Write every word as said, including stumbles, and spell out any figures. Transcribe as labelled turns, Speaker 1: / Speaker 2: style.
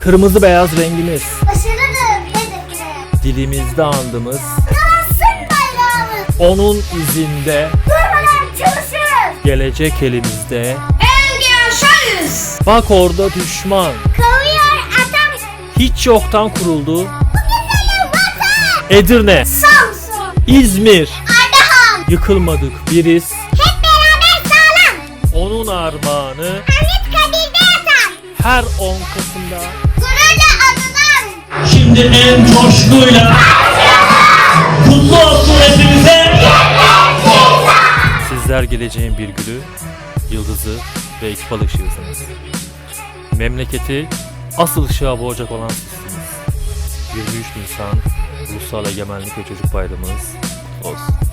Speaker 1: Kırmızı beyaz rengimiz.
Speaker 2: Başarılı hedefine.
Speaker 1: Dilimizde andımız.
Speaker 2: Yansın bayrağımız.
Speaker 1: Onun izinde.
Speaker 2: Durmadan çalışırız.
Speaker 1: Gelecek elimizde.
Speaker 2: Önce yaşarız.
Speaker 1: Bak orada düşman.
Speaker 2: Kovuyor atam.
Speaker 1: Hiç yoktan kuruldu.
Speaker 2: Bugün benim vatan.
Speaker 1: Edirne,
Speaker 2: Samsun.
Speaker 1: İzmir.
Speaker 2: Ardahan.
Speaker 1: Yıkılmadık biriz.
Speaker 2: Hep beraber sağlam.
Speaker 1: Onun armağanı
Speaker 2: Hamit Kadir'de yatan.
Speaker 1: her on Kasım'da.
Speaker 2: Gururla anılan.
Speaker 3: Şimdi en coşkuyla kutlu olsun hepinize.
Speaker 1: Sizler geleceğin bir gülü, yıldızı ve ekip ışığısınız. Memleketi asıl ışığa boğacak olan sizsiniz. yirmi üç Nisan Ulusal Egemenlik ve Çocuk Bayramımız olsun.